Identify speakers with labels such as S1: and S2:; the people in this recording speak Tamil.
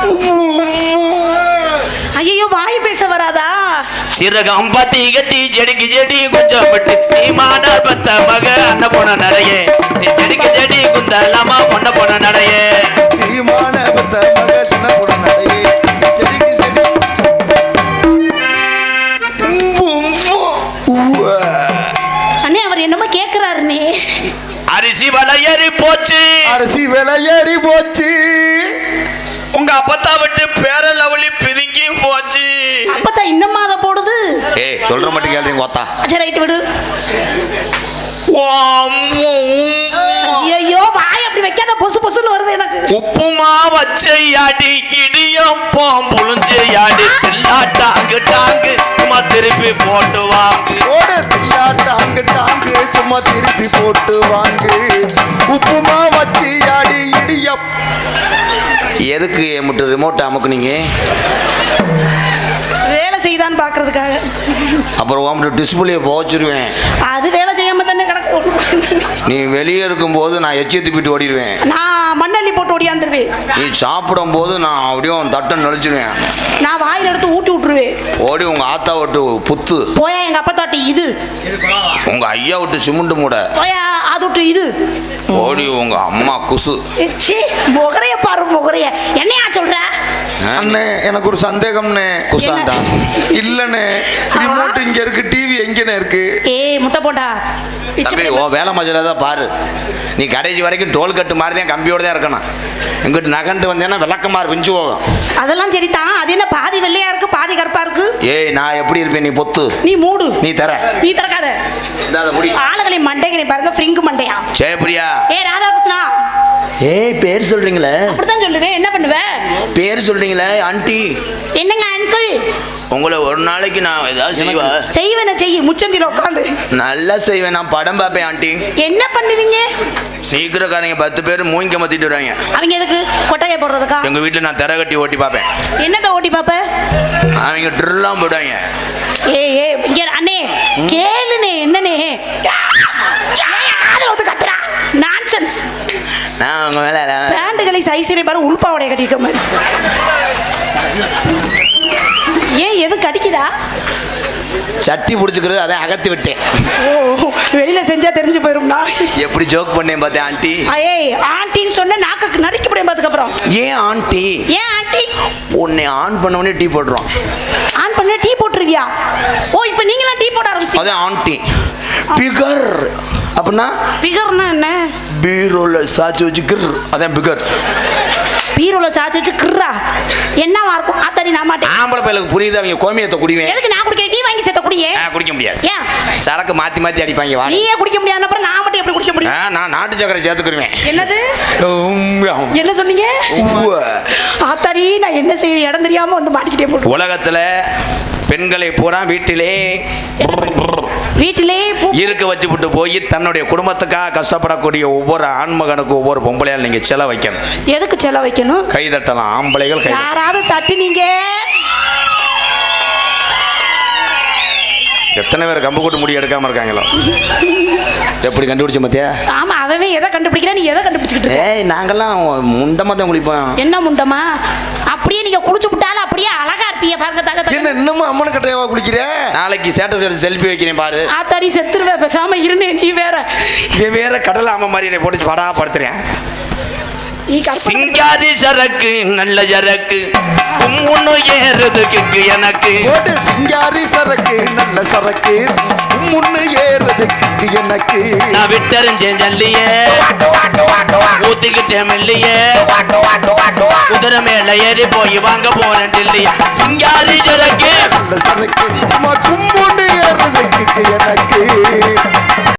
S1: ஐயோ வாய் பேச வராதா?
S2: சிறகம் பத்தி கட்டி செடிக்கு செடி கொஞ்சம் விட்டு நீ மாடார் பத்த மக அண்ண போன நடைய நீ செடிக்கு செடி குந்தலாமா பொண்ண போன நடைய
S3: சீமான பத்த மக சின்ன போன நடைய செடிக்கு செடி
S1: அண்ணே அவர் என்னமோ கேக்குறாருனே.
S2: அரிசி விலை ஏறி போச்சு,
S3: அரிசி விலை ஏறி போச்சு.
S2: உங்க அப்பத்தா விட்டு பேர லவலி பிதுங்கி போச்சு.
S1: அப்பத்தா இன்னமா அத போடுது.
S2: ஏய் சொல்ற மட்டும் கேளுங்க ஓத்தா.
S1: சரி ரைட் விடு. ஐயோ வாய் அப்படி வைக்காத, பொசு பொசுன்னு வருது எனக்கு.
S2: உப்புமா வச்சையாடி இடியம் புழுஞ்சையாடி தில்லாட்டாங்கு டாங்கு சும்மா திருப்பி போட்டு வாங்கு.
S3: ஓடு தில்லாட்டாங்கு டாங்கு சும்மா திருப்பி போட்டு வாங்கு. உப்புமா வச்சையாடி இடியம்.
S2: எதுக்கு மட்டும் ரிமோட் அமுக்குனீங்க?
S1: வேலை செய்தான் பாக்குறதுக்காக.
S2: அப்புறம் உங்கள்கிட்ட டிஸ்பிளே போச்சிருவேன்.
S1: அது வேலை செய்யாம தானே கிடக்கு.
S2: நீ வெளியே இருக்கும்போது நான் எச்சி துப்பிட்டு ஓடிடுவேன்.
S1: நான் மண்ணள்ளி போட்டு ஓடியாந்துருவேன்.
S2: நீ சாப்பிடும் போது நான் அப்படியே தட்டை நடிச்சிருவேன்.
S1: நான் வாயில எடுத்து ஊட்டி விட்டுருவேன்.
S2: ஓடி உங்க ஆத்தா விட்டு புத்து
S1: போயா எங்க அப்பா தாட்டி இது,
S2: உங்க ஐயா விட்டு சிமுண்டு மூட
S1: போயா அது விட்டு இது,
S2: ஓடி உங்க அம்மா குசு.
S1: முகரைய பாரு முகரைய. என்னையா சொல்ற?
S3: அண்ணே எனக்கு ஒரு சந்தேகம்னே.
S2: குசாண்டா
S3: இல்லண்ணே, ரிமோட் இங்க இருக்கு, டிவி எங்கண்ணே இருக்கு?
S1: ஏய் முட்டை போட்டா
S2: ஓ வேலை மஜரா தான் பாரு. நீ கடைசி வரைக்கும் டோல் கட்டு மாதிரி தான் கம்பியோட தான் இருக்கணும். இங்கிட்டு நகண்டு வந்தேன்னா விளக்கமாறு விஞ்சு போகும்.
S1: அதெல்லாம் சரிதான். அது என்ன பாதி வெள்ளையா இருக்கு பாதி கருப்பா இருக்கு?
S2: ஏய் நான் எப்படி இருப்பேன்? நீ பொத்து,
S1: நீ மூடு,
S2: நீ தர,
S1: நீ திறக்காத. ஆளுகளை மண்டைகளை பாருங்க, ஃப்ரிங்கு மண்டையா.
S2: ஜெயபிரியா.
S1: ஏய் ராதாகிருஷ்ணா.
S2: ஏய் பேர் சொல்றீங்களே?
S1: அப்படிதான் சொல்லுவேன். என்ன பண்ணுவேன்?
S2: பேர் சொல்றீங்களே ஆண்டி.
S1: என்னங்க அங்கிள்?
S2: உங்களை ஒரு நாளைக்கு நான் ஏதாவது
S1: செய்வேன். செய்ய முச்சந்தில உட்காந்து
S2: நல்லா செய்வேன். நான் படம் பார்ப்பேன் ஆண்டி.
S1: என்ன பண்ணுவீங்க?
S2: சீக்கிரக்காரங்க 10 பேர் மூங்க மத்திட்டு வருவாங்க.
S1: அவங்க எதுக்கு? கொட்டையை போடுறதுக்கா?
S2: எங்க வீட்டுல நான் திரை கட்டி ஓட்டி பார்ப்பேன்.
S1: என்னத்த ஓட்டி பாப்ப?
S2: அவங்க ட்ரில்லாம் போடுவாங்க.
S1: ஏய் ஏய் இங்க அண்ணே கேளுனே. என்னனே காதுல வந்து கத்துறா நான்சென்ஸ்.
S2: நான் உங்க மேல
S1: பேண்டுகளை சைஸிலே பாரு, உள்பாவடைய கட்டிக்க மாதிரி. ஏன் எது கடிக்குதா?
S2: சட்டி பிடிச்சிக்கிறது, அதை அகத்தி விட்டேன்.
S1: ஓ வெளியில செஞ்சா தெரிஞ்சு போயிரும்னா.
S2: எப்படி ஜோக் பண்ணேன் பார்த்தேன் ஆண்டி.
S1: ஏய் ஆண்டின்னு சொன்ன நாக்கு நறுக்கி போடுறேன் பாத்துக்கு அப்புறம்.
S2: ஏன் ஆண்டி?
S1: ஏன் ஆண்டி?
S2: உன்னை ஆன் பண்ண உடனே டீ போட்டுரும்.
S1: ஆன் பண்ண டீ போட்டுருவியா? ஓ இப்போ நீங்களா டீ போட ஆரம்பிச்சிட்டீங்க?
S2: அதான் ஆண்டி. பிகர் அப்படின்னா?
S1: பிகர்னா என்ன?
S2: பீரோல சாச்சி வச்சு கிர், அதான் பிகர்.
S1: பீரோல சாச்சி வச்சு கிர்ரா என்னவா இருக்கும்? அத்தடி நான் மாட்டேன்.
S2: ஆம்பளை பையலுக்கு புரியுது. அவங்க கோமியத்தை குடிவேன்.
S1: எதுக்கு நான் குடிக்கிறேன்? நீ வாங்கி சேர்த்த குடியே.
S2: குடிக்க முடியாது.
S1: ஏன்?
S2: சரக்கு மாத்தி மாத்தி அடிப்பாங்க.
S1: நீயே குடிக்க முடியாது, அப்புறம் நான் மட்டும் எப்படி குடிக்க முடியும்?
S2: நான் நாட்டு சக்கரை சேர்த்துக்குருவேன்.
S1: என்னது? என்ன சொன்னீங்க? ஆத்தாடி நான் என்ன செய்வேன்? இடம் தெரியாம வந்து மாட்டிக்கிட்டே போட்டு.
S2: உலகத்துல பெண்களை பூரா வீட்டிலே இருக்க வச்சுவிட்டு போய் தன்னுடைய குடும்பத்துக்காக கஷ்டப்படக்கூடிய ஒவ்வொரு ஆண்மகனுக்கு ஒவ்வொரு பொம்பளையால் நீங்க செல வைக்கணும்.
S1: எதுக்கு செல வைக்கணும்?
S2: கை தட்டலாம். ஆம்பளைகள் கை
S1: யாராவது தட்டி நீங்க
S2: எத்தனை பேர் கம்பு கூட்டு முடி எடுக்காம இருக்காங்களோ? எப்படி கண்டுபிடிச்ச மத்தியா?
S1: ஆமா அவவே எதை கண்டுபிடிக்கிறா, நீ எதை கண்டுபிடிச்சிட்டு?
S2: ஏய் நாங்கெல்லாம் முண்டமா தான் குளிப்போம்.
S1: என்ன முண்டமா? அப்படியே நீங்க குளிச்சு விட்டாலும் அப்படியே அழகா இருப்பீங்க பாருங்க. தக
S3: என்ன இன்னமும் அம்மன் கட்டையாவா குளிக்கிற?
S2: நாளைக்கு ஸ்டேட்டஸ் எடுத்து செல்ஃபி வைக்கிறேன் பாரு.
S1: ஆத்தாடி செத்துருவே, பேசாம இருனே. நீ வேற
S2: வேற கடல ஆம மாதிரி என்னை போட்டு படா படுத்துறேன். சிங்காரி சரக்கு நல்ல சரக்கு கும்முன்னு ஏறதுக்கு எனக்கு.
S3: ஓடு சிங்காரி சரக்கு நல்ல சரக்கு கும்முன்னு ஏறதுக்கு எனக்கு.
S2: நான் விட்டறிஞ்சேன் ஜல்லியே ஊத்திக்கிட்டேன் மெல்லியே குதிரை மேல ஏறி போய் வாங்க போறேன் டெல்லியே. சிங்காரி சரக்கு
S3: நல்ல சரக்கு கும்முன்னு ஏறதுக்கு எனக்கு.